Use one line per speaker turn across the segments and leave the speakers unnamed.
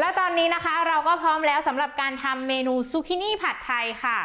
แล้วตอนนี้นะคะเราก็พร้อมแล้วสำหรับการทำเมนูซูกินี่ผัดไทยค่ะ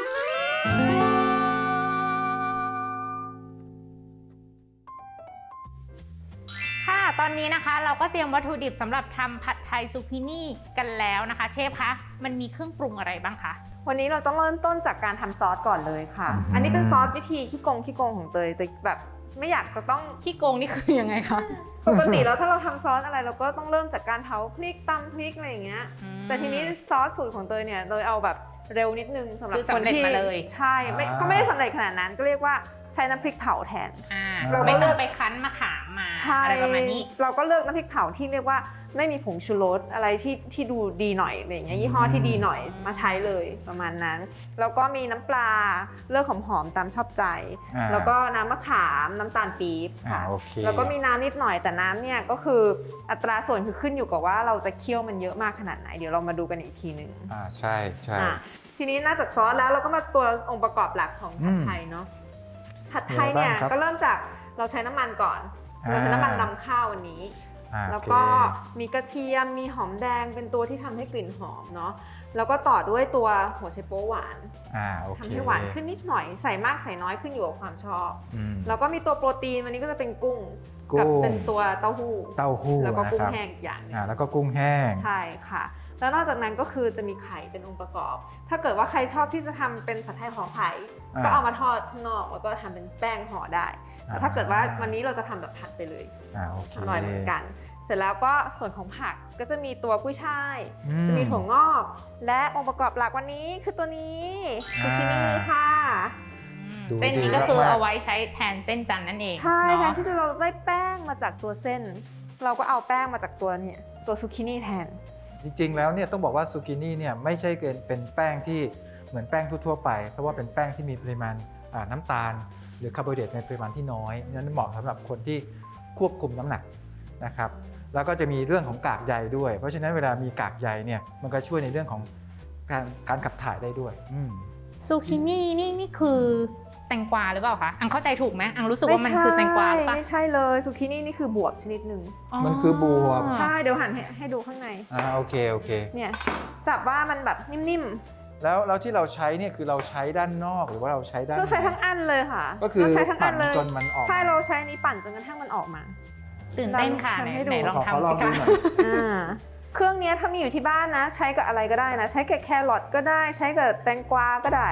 ตอนนี้นะคะเราก็เตรียมวัตถุดิบสำหรับทำผัดไทยซูกินี่กันแล้วนะคะเชฟคะมันมีเครื่องปรุงอะไรบ้างคะ
วันนี้เราต้องเริ่มต้นจากการทำซอสก่อนเลยค่ะอันนี้เป็นซอสวิธีขี้โกงของเตยแบบไม่อยากจะต้อง
ขี้โกงนี่คือยังไงคะ
ปกติแล้วถ้าเราทำซอสอะไรเราก็ต้องเริ่มจากการเผาพริกตำพริกอะไรอย่างเงี้ยแต่ทีนี้ซอสสูตรของเตยเนี่ยเตยเอาแบบเร็วนิดนึงสำหรับคนที่ใช่ก็ไม่ได้สำเร็จขนาดนั้นก็เรียกว่าใช้น้ำพริกเผาแทน
เราไม่ต้องไปคั้นมะขามมาอะไรประมาณนี้
เราก็เลือกน้ำพริกเผาที่เรียกว่าไม่มีผงชูรสอะไรที่ดูดีหน่อยอะไรอย่างเงี้ยยี่ห้อที่ดีหน่อยมาใช้เลยประมาณนั้นแล้วก็มีน้ำปลาเลือกหอมๆตามชอบใจแล้วก็น้ำมะขามน้ำตาลปี๊บค่ะแล้วก็มีน้ำนิดหน่อยแต่น้ำเนี่ยก็คืออัตราส่วนคือขึ้นอยู่กับว่าเราจะเคี่ยวมันเยอะมากขนาดไหนเดี๋ยวเรามาดูกันอีกทีนึง
ใช่
ทีนี้นอกจากซอสแล้วเราก็มาตัวองค์ประกอบหลักของผัดไทยเนาะผัดไทยเนี่ยก็เริ่มจากเราใช้น้ำมันก่อนเราใช้น้ำมันนำข้าววันนี้แล้วก็มีกระเทียมมีหอมแดงเป็นตัวที่ทำให้กลิ่นหอมเนาะแล้วก็ต่อด้วยตัวหัวไชโป๊หวานทำให้หวานขึ้นนิดหน่อยใส่มากใส่น้อยขึ้นอยู่กับความชอบแล้วก็มีตัวโปรตีนวันนี้ก็จะเป็นกุ้งกับเป็นตัวเต้าหู้แล้วก็กุ้งแห้งอย่างนึง
แล้วก็กุ้งแห้ง
ใช่ค่ะแล้วนอกจากนั้นก็คือจะมีไข่เป็นองค์ประกอบ ถ้าเกิดว่าใครชอบที่จะทำเป็นผัดไทยห่อไข่ก็เอามาทอดข้างนอกแล้วก็ทำเป็นแป้งห่อได้แต่ถ้าเกิดว่าวันนี้เราจะทำแบบผัดไปเลยอร่อยเหมือนกันเสร็จแล้วก็ส่วนของผักก็จะมีตัวกุ้ยช่ายจะมีถั่วงอกและองค์ประกอบหลักวันนี้คือตัวนี้ซูกินี่ค่ะ
เส้นนี้ก็คือเอาไว้ใช้แทนเส้นจันทร์นั่นเอง
ใช่แทนที่เราได้แป้งมาจากตัวเส้นเราก็เอาแป้งมาจากตัวซูกินี่แทน
จริงๆแล้วเนี่ยต้องบอกว่าซูกินี่เนี่ยไม่ใช่เป็นแป้งที่เหมือนแป้งทั่วๆไปเพราะว่าเป็นแป้งที่มีปริมาณน้ำตาลหรือคาร์โบไฮเดรตในปริมาณที่น้อยนั้นเหมาะสำหรับคนที่ควบคุมน้ำหนักนะครับแล้วก็จะมีเรื่องของกากใยด้วยเพราะฉะนั้นเวลามีกากใยเนี่ยมันก็ช่วยในเรื่องของการขับถ่ายได้ด้วย
ซูกินี่นี่คือแตงกวาหรือเปล่าคะอังเข้าใจถูกไหมอังรู้สึกว่ามันคือแตงกวาหรือเปล่า
ไม่ใช่เลยซูกินี่นี่คือบวบชนิดหนึ่ง
มันคือบวบ
ใช่เดี๋ยวหันให้ดูข้างใน
โอเค
เนี่ยจับว่ามันแบบนิ่ม
ๆแล้วที่เราใช้เนี่ยคือเราใช้ด้านนอกหรือว่าเราใช้ด้าน
เราใช้ทั้งอันเลยค่ะ
ก็คือใช้ทั้งอันเลย
จนมันออกใช่เราใช้นี้ปั่นจนกระทั่งมันออกมา
ตื่นเต้นค่ะไหนลองทำสิคะ
เครื่องนี้ถ้ามีอยู่ที่บ้านนะใช้กับอะไรก็ได้นะใช้กับแครอทก็ได้ใช้กับแตงกวาก็ได้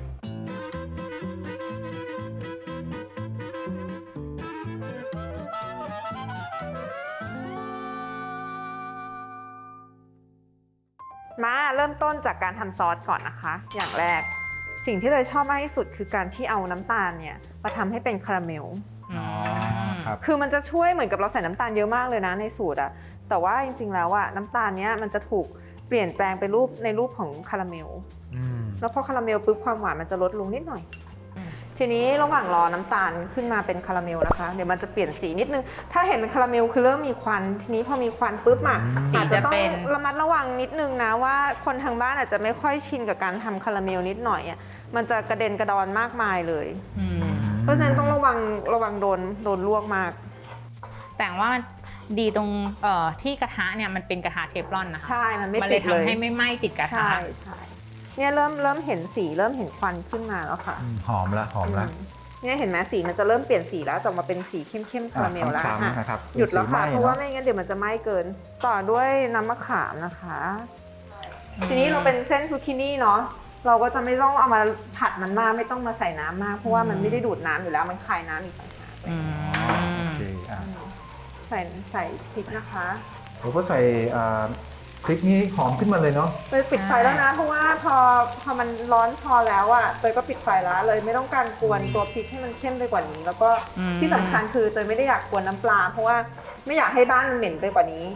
มาเริ่มต้นจากการทำซอสก่อนนะคะอย่างแรกสิ่งที่เลยชอบมากที่สุดคือการที่เอาน้ำตาลเนี่ยมาทำให้เป็นคาราเมลคือมันจะช่วยเหมือนกับเราใส่น้ำตาลเยอะมากเลยนะในสูตรอะแต่ว่าจริงๆแล้วอะน้ำตาลเนี้ยมันจะถูกเปลี่ยนแปลงไปในรูปของคาราเมลแล้วพอคาราเมลปุ๊บความหวานมันจะลดลงนิดหน่อยทีนี้ระหว่างรอน้ำตาลขึ้นมาเป็นคาราเมลนะคะเดี๋ยวมันจะเปลี่ยนสีนิดนึงถ้าเห็นเป็นคาราเมลคือเริ่มมีควันทีนี้พอมีควันปุ๊บอาจจะต้องระมัดระวังนิดนึงนะว่าคนทางบ้านอาจจะไม่ค่อยชินกับการทำคาราเมลนิดหน่อยมันจะกระเด็นกระดอนมากมายเลยเพราะฉะนั้นต้องระวังโดนลวกมาก
แต่ว่าดีตรงที่กระทะเนี่ยมันเป็นกระทะเทฟลอนนะคะ
ใช่มันไม่
ติดเลยทำให้ไม่ไหม้ติดกระทะ
ใช่เนี่ยเริ่มเห็นสีเริ่มเห็นควันขึ้นมาแล้วค่ะ
หอมละ
เนี่ยเห็นไหมสีมันจะเริ่มเปลี่ยนสีแล้วจะมาเป็นสีเข้มคาราเมลแล้วหยุดแล้วค่ะเพราะว่าไม่งั้นเดี๋ยวมันจะไหม้เกินต่อด้วยน้ำมะขามนะคะทีนี้เราเป็นเส้นซูกินี่เนาะเราก็จะไม่ต้องเอามาผัดมันมากไม่ต้องมาใส่น้ำมากเพราะว่ามันไม่ได้ดูดน้ำอยู่แล้วมันคายน้ำอีกต่างหากใส่พริกนะคะ
เราก็ใส่พริกนี้หอมขึ้นมาเลยเนาะ
เลยปิดไฟแล้วนะเพราะว่าพอมันร้อนพอแล้วเตยก็ปิดไฟแล้วเลยไม่ต้องการกวนตัวพริกให้มันเข้มไปกว่านี้แล้วก็ที่สำคัญคือเตยไม่ได้อยากกวนน้ำปลาเพราะว่าไม่อยากให้บ้านมันเหม็นไปกว่านี้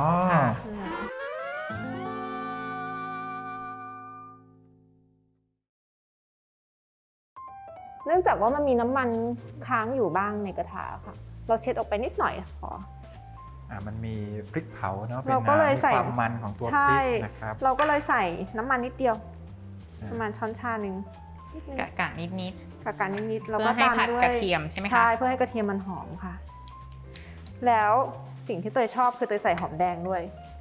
เนื่องจากว่ามันมีน้ำมันค้างอยู่บ้างในกระทะค่ะเราเช็ดออกไปนิดหน่อยพอ
มันมีพริกเผาเนาะเราก็เลยใส่ความมันของตัวพริกนะครับ
เราก็เลยใส่น้ำมันนิดเดียวประมาณช้อนชาหนึ่ง
กะนิด
แล้วก็
ตามด้วยกระเทียมใช่ไหมคะ
ใช่เพื่อให้กระเทียมมันหอมค่ะแล้วสิ่งที่เตยชอบคือเตยใส่หอมแดงด้วย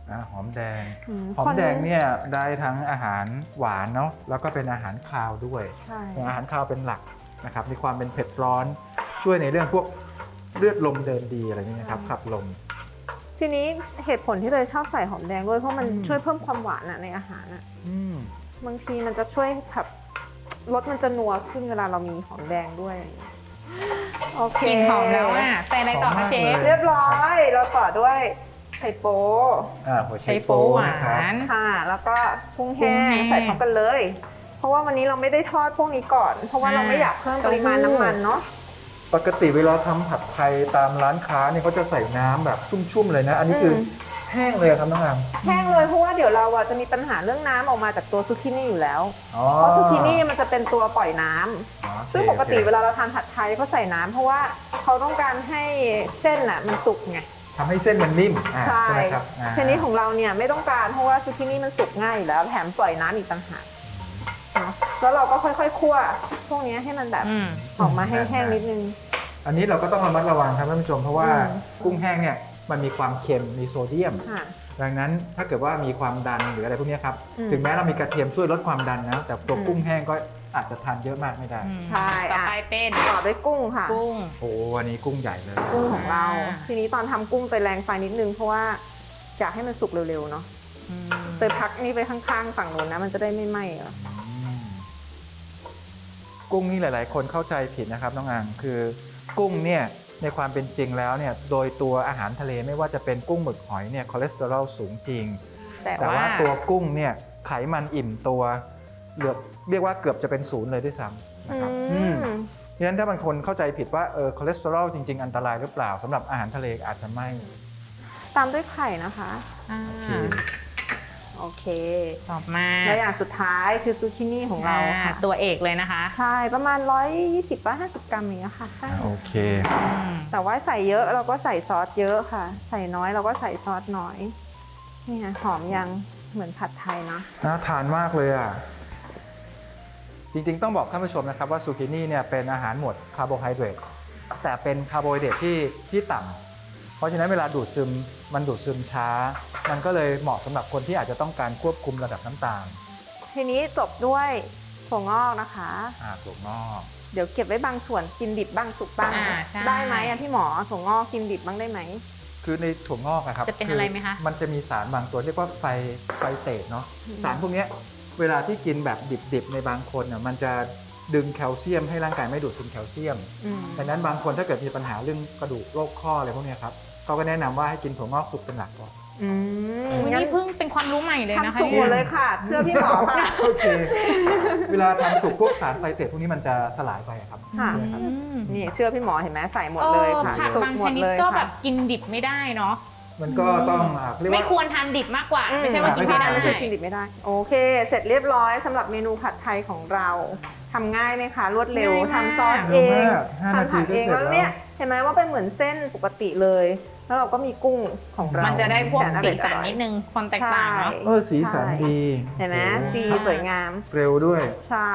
หอมแดง
อืม
หอมแดงเนี่ยได้ทั้งอาหารหวานเนาะแล้วก็เป็นอาหารคาวด้วย
ใช่
อาหารคาวเป็นหลักนะครับมีความเป็นเผ็ดร้อนช่วยในเรื่องพวกเลือดลมเดินดีอะไรนี้นะครับขับลม
ทีนี้เหตุผลที่เลยชอบใส่หอมแดงด้วยเพราะมัน
อืม
ช่วยเพิ่มความหวานในอาหารอะ
อืม
บางทีมันจะช่วยแบบรสมันจะนัวขึ้นเวลาเรามีหอมแดงด้วยโอเค
กลิ่นหอมแล้วอ่ะใส่อะไรต่อคะเชฟ
เรียบร้อยเราต่อด้วยไข่โป๊
หัว
ใช้
ไช
โป๊
โป๊
หวา
นะครับ
น
ค่ะ แล้วก็กุ้ง
กุ้
แห้
งแห้
ง
ง
ใส่พร้อมกันเลย เพราะว่าวันนี้เราไม่ได้ทอดพวกนี้ก่อน เพราะว่าเราไม่อยากเพิ่มปริมาณน้ำมันเนาะ
ปกติเวลาทำผัดไทยตามร้านค้าเนี่ยเขาจะใส่น้ำแบบชุ่มๆเลยนะ อันนี้คือแห้งเลยครับน้องอาม
แห้งเลยเพราะว่าเดี๋ยวเราอะจะมีปัญหาเรื่องน้ำออกมาจากตัวซูกินี่อยู่แล้ว
อ๋อ
เพราะซูกินี่มันจะเป็นตัวปล่อยน้ำ
อ๋อโอเค
ซึ่งปกติ
โอค
เวลาเราทานผัดไทยเขาใส่น้ำเพราะว่าเขาต้องการให้เส้นน่ะมันสุกไง
ทำให้เส้นมันนิ่ม
ใช่
ไหมครับอ่า
ทีนี้ของเราเนี่ยไม่ต้องการเพราะว่าซูกินี่มันสุกง่ายอยู่แล้วแถมปล่อยน้ำอีกต่างหากเนาะแล้วเราก็ค่อยๆคั่วพวกนี้ให้มันแบบ
อืม
ออกมาแห้งๆนิดนึง
อันนี้เราก็ต้องระมัดระวังครับท่านผู้ชมเพราะว่า
อืม
กุ้งแห้งเนี่ยมันมีความเค็มมีโซเดียม
ค่ะ
ดังนั้นถ้าเกิดว่ามีความดันหรืออะไรพวกเนี้ยครับ
อืม
ถึงแม้เรามีกระเทียมช่วยลดความดันนะแต่ตัว
อืม
กุ้งแห้งก็อาจจะทานเยอะมากไม่ได้
ใช่
ต่อ
อ่ะ
ไปเป็น
ต่อด้วยกุ้งค่ะ
กุ้ง
โอ้วันนี้กุ้งใหญ่เลย
กุ้งของเรา
อ่า
ทีนี้ตอนทำกุ้งไปแรงไฟนิดนึงเพราะว่าอยากให้มันสุกเร็วๆเนาะ
อืม
เตยพักนี่ไปข้างๆฝั่งนู้นนะมันจะได้ไม่ไหม้อะ
อืมกุ้งนี่หลายๆ คนเข้าใจผิดนะครับน้องอังคือกุ้งเนี่ยในความเป็นจริงแล้วเนี่ยโดยตัวอาหารทะเลไม่ว่าจะเป็นกุ้งหมึกหอยเนี่ยคอเลสเตอรอลสูงจริง
แต่
แต่
ว่า
ว่าตัวกุ้งเนี่ยไขมันอิ่มตัวเรียกว่าเกือบจะเป็นศูนย์เลยด้วยซ้ำนะครับ
อืม
ดังนั้นถ้าบางคนเข้าใจผิดว่าคอเลสเตอรอลจริง ๆ อันตรายหรือเปล่าสำหรับอาหารทะเลอาจจะไม่
ตามด้วยไข่นะคะ
อ่า
โอเค
ต่อมา
และอย่างสุดท้ายคือซูกินี่ของเราค่ะ
ตัวเอกเลยนะคะ
ใช่ประมาณ 120-150 กรัมอย่างเงี้ยค่ะใช่
โอเค
อืม
แต่ว่าใส่เยอะเราก็ใส่ซอสเยอะค่ะ ใส่น้อยเราก็ใส่ซอสน้อยนี่ค่ะหอมยังเหมือนผัดไทยเนาะ
น่าทานมากเลยอ่ะ จริงๆต้องบอกท่านผู้ชมนะครับว่าซูกินี่เนี่ยเป็นอาหารหมวดคาร์โบไฮเดรตแต่เป็นคาร์โบไฮเดรตที่ต่ำเพราะฉะนั้นเวลาดูดซึมมันดูดซึมช้า มันก็เลยเหมาะสำหรับคนที่อาจจะต้องการควบคุมระดับน้ำตาล
ทีนี้จบด้วยถั่วงอกนะคะ
ถั่วงอก
เดี๋ยวเก็บไว้บางส่วนกินดิบบ้างสุกบ้าง
ใช่
ได้ไหมอะพี่หมอถั่วงอกกินดิบบ้างได้ไหม
คือในถั่วงอกอะครับ
จะเป็นอะไรไหมคะ
มันจะมีสารบางตัวเรียกว่าไฟเตตเนาะ
อืม
สารพวกเนี้ยเวลาที่กินแบบดิบๆในบางคนน่ะมันจะดึงแคลเซียมให้ร่างกายไม่ดูดซึมแคลเซียม
อืม
ดังนั้นบางคนถ้าเกิดมีปัญหาเรื่องกระดูกโรคข้ออะไรพวกเนี้ยครับเขาก็แนะนำว่าให้กินถั่วงอกสุกเป็นหลักก่อน
อืม
วัน
งั้น
นี้เพิ่งเป็นความรู้ใหม่เลยนะคะ
ทำสุกหมดเลยค่ะ เชื่อพี่หมอค่ะ
โอเค เวลาทำสุกพวกสารไฟเตตพวกนี้มันจะสลายไปอะครับ
ค่ะ
ใช่ไหมครับ
นี่เชื่อพี่หมอเห็นไหมใส่หมดเลยค่ะ
ผัก
สุก
บาง
หม
ช
ด
นิด
เลย
ก็แบ
ค่ะ
บกินดิบไม่ได้เนาะ
มันก็ต้องเรียก
ไม่
ว่า
ควรทานดิบมากกว่า ไม่ใช่ว่ากินไม่ได้
ไม่ใช่กินดิบไม่ได้ โอเค เสร็จเรียบร้อยสำหรับเมนูผัดไทยของเราทำง่ายไหมคะรวดเร็ว
ง่ายมาก
ทำซอสเอง
เร็วมาก5 นาที
ทำผัดเอง
ก็เสร็จ
แล้วเนี่ยเห็นไหมว่าเป็นเหมือนเส้นปกติเลย แล้วเราก็มีกุ้งของเรา
มั
มัน
จะได้พวกสีสันนิดนึงความแตกต่างเนาะ
สีสันดี
เห็นไหม
โอ้
ดีสวยงาม
เร็วด้วย
ใช่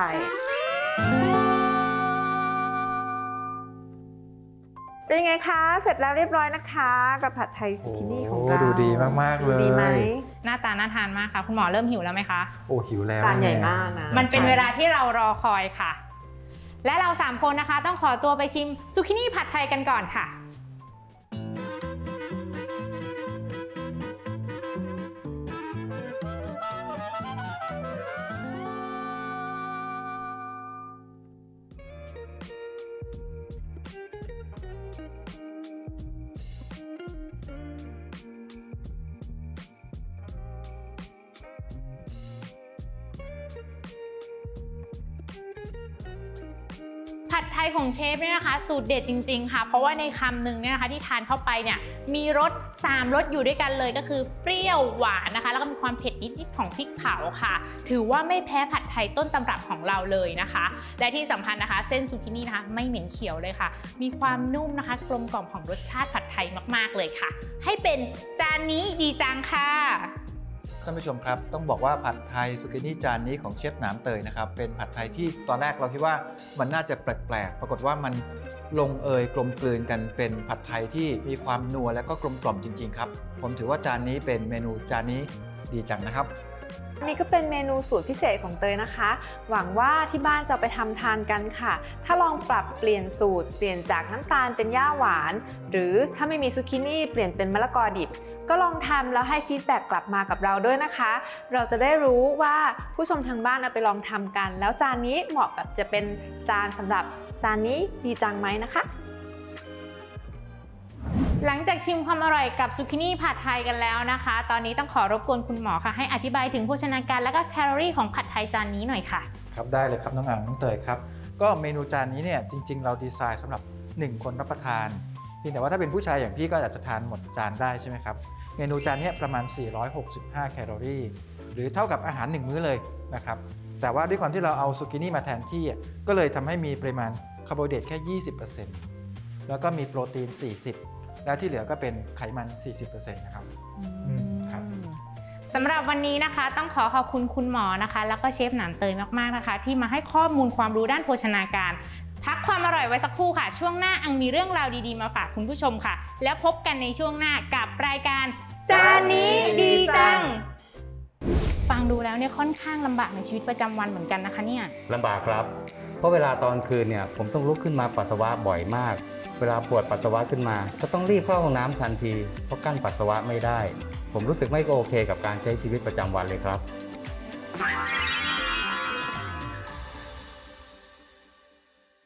เป็นยังไงคะ เสร็จแล้วเรียบร้อยนะคะ กับผัดไทยซูกินี่ของเรา
ดูดีมากๆเลย
ดูดีไหม
หน้าตาน่าทานมากค่ะ คุณหมอเริ่มหิวแล้วไหมคะ
โอ้หิวแล้ว
จานใหญ่มากนะ
มันเป็นเวลาที่เรารอคอยค่ะ และเรา3คนนะคะ ต้องขอตัวไปชิมซูกินี่ผัดไทยกันก่อนค่ะ ผัดไทยของเชฟเนี่ยนะคะสูตรเด็ดจริงๆค่ะเพราะว่าในคำหนึ่งเนี่ยนะคะที่ทานเข้าไปเนี่ยมีรส3รสอยู่ด้วยกันเลยก็คือเปรี้ยวหวานนะคะแล้วก็มีความเผ็ดนิดๆของพริกเผาค่ะถือว่าไม่แพ้ผัดไทยต้นตำรับของเราเลยนะคะและที่สำคัญนะคะเส้นซูกินี่นะคะไม่เหม็นเขียวเลยค่ะ มีความนุ่มนะคะกลมกล่อมของรสชาติผัดไทยมากๆเลยค่ะให้เป็นจานนี้ดีจังค่ะ
ท่านผู้ชมครับต้องบอกว่าผัดไทยซูกินี่จานนี้ของเชฟหนามเตยนะครับเป็นผัดไทยที่ตอนแรกเราคิดว่ามันน่าจะแปลกๆปรากฏว่ามันลงเอยกลมกลืนกันเป็นผัดไทยที่มีความนัวและก็กลมกล่อมจริงๆครับผมถือว่าจานนี้เป็นเมนูจานนี้ดีจังนะครับ
นี่ก็เป็นเมนูสูตรพิเศษของเตยนะคะ หวังว่าที่บ้านจะไปทำทานกันค่ะถ้าลองปรับเปลี่ยนสูตรเปลี่ยนจากน้ำตาลเป็นย่าหวานหรือถ้าไม่มีซูกินี่เปลี่ยนเป็นมะละกอดิบก็ลองทำแล้วให้ฟีดแบ็กกลับมากับเราด้วยนะคะ เราจะได้รู้ว่าผู้ชมทางบ้านเอาไปลองทำกัน แล้วจานนี้เหมาะกับจะเป็นจานสำหรับจานนี้ดีจังไหมนะคะ
หลังจากชิมความอร่อยกับซูกินี่ผัดไทยกันแล้วนะคะ ตอนนี้ต้องขอรบกวนคุณหมอค่ะให้อธิบายถึงโภชนาการและก็แคลอรี่ของผัดไทยจานนี้หน่อยค่ะ
ครับได้เลยครับน้องอ่างน้องเตยครับก็เมนูจานนี้เนี่ยจริงๆเราดีไซน์สำหรับ1คนรับประทานเพียงแต่ว่าถ้าเป็นผู้ชายอย่างพี่ก็อาจจะทานหมดจานได้ใช่ไหมครับเมนูจานนี้ประมาณ465แคลอรี่หรือเท่ากับอาหาร1มื้อเลยนะครับแต่ว่าด้วยความที่เราเอาซูกินี่มาแทนที่ก็เลยทำให้มีปริมาณคาร์โบไฮเดรตแค่ 20% แล้วก็มีโปรตีน 40%แล้วที่เหลือก็เป็นไขมัน 40% นะครับครับ
สำหรับวันนี้นะคะต้องขอขอบคุณคุณหมอนะคะแล้วก็เชฟหนามเตยมากๆนะคะที่มาให้ข้อมูลความรู้ด้านโภชนาการพักความอร่อยไว้สักครู่ค่ะช่วงหน้าอังมีเรื่องราวดีๆมาฝากคุณผู้ชมค่ะแล้วพบกันในช่วงหน้ากับรายการจานนี้ดีจังฟังดูแล้วเนี่ยค่อนข้างลำบากในชีวิตประจำวันเหมือนกันนะคะเนี่ย
ลำบากครับเพราะเวลาตอนคืนเนี่ยผมต้องลุกขึ้นมาปัสสาวะบ่อยมากเวลาปวดปัสสาวะขึ้นมาก็ต้องรีบเข้าห้องน้ำทันทีเพราะกั้นปัสสาวะไม่ได้ผมรู้สึกไม่โอเคกับการใช้ชีวิตประจำวันเลยครับ